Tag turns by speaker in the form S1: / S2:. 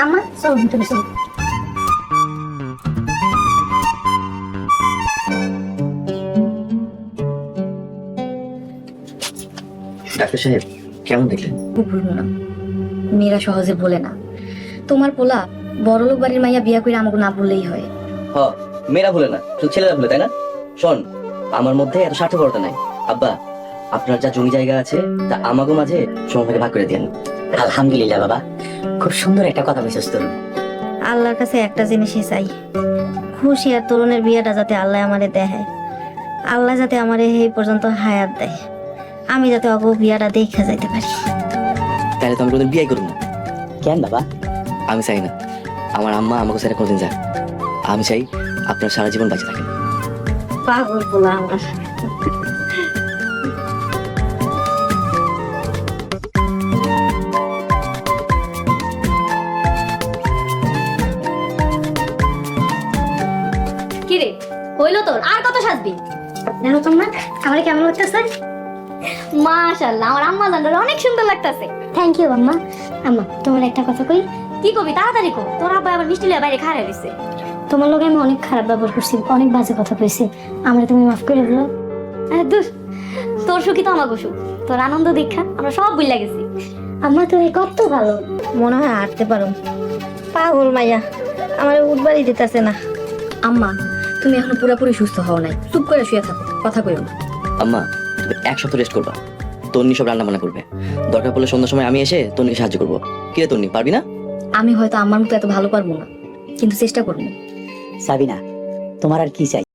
S1: আম্মা চলো ভিতরে চলো।
S2: ডাক্তার সাহেব কেমন দেখলেন?
S3: খুব ভুলবো না, মেয়েরা সহজে বলে না। তোমার পোলা বড়লোক বাড়ির মাইয়া বিয়া করে আমাকে না বললেই হয়।
S2: হ, মেয়েরা ভুলে না, শুধু ছেলেরা ভুলে, তাই না? শোন, আমার মধ্যে এত স্বার্থপরতা নাই। আব্বা, আপনার যা জমি জায়গা আছে তা আমাকে মাঝে সমভাগে ভাগ করে দেন।
S4: আলহামদুলিল্লাহ বাবা, খুব সুন্দর একটা কথা বলছিস তোর।
S3: আল্লাহর কাছে একটা জিনিসই চাই, খুশি আর তরুণের বিয়েটা যাতে আল্লাহ আমারে দেয়, আল্লাহ যাতে আমারে এই পর্যন্ত হায়াত দেয়, আমি যাতে অগ বিয়াটা দেখে যাইতে পারি।
S2: তাহলে তো আমি কোনোদিন বিয়ে করব না।
S4: কেন বাবা?
S2: আমি চাই না আমার আম্মা আমাকে ছেড়ে কোনোদিন যাক। আমি চাই আপনার সারা জীবন বেঁচে থাকেন।
S3: পাগল বলা আমার।
S1: কিরে হইলো তোর, আর কত সাজবি? দেখো তোমরা আমার কেমন লাগতেছে? মাশাআল্লাহ, আমার আম্মা জানলে অনেক সুন্দর লাগতেছে। থ্যাংক ইউ আম্মা। আম্মা তোমার একটা কথা কই। কি কবি, তাড়াতাড়ি কো। তোর আব্বা আবার মিষ্টি লিয়ে বাইরে খাড়া রইছে। তোমার লগে আমি অনেক খারাপ ব্যবহার করছি, অনেক বাজে কথা কইছি, আমরা তুমি মাফ করে দিও। আরে দূর, তোর সুখী তো আমাগো সুখ। তোর আনন্দ দেখা আমরা সব ভুলে গেছি। আম্মা তুমি কত ভালো।
S3: মনে হয় হাঁটতে পারো। পাগল মাইয়া আমার উঠবারই দিতেছে না। আম্মা, তুমি এখনো পুরোপুরি সুস্থ হও নাই, চুপ করে শুয়ে থাকো, কথা কইও না।
S2: আম্মা, তুমি এক সপ্তাহ রেস্ট করবা। তন্নি সব রান্না বান্না করবে। দরকার পড়লে সন্ধ্যার সময় আমি এসে তন্নিকে সাহায্য করবো। কি রে তন্নি, পারবি না?
S3: আমি হয়তো আমার মতো এত ভালো পারবো না, কিন্তু চেষ্টা করবো।
S4: সাবিনা, তোমার আর কি চাই?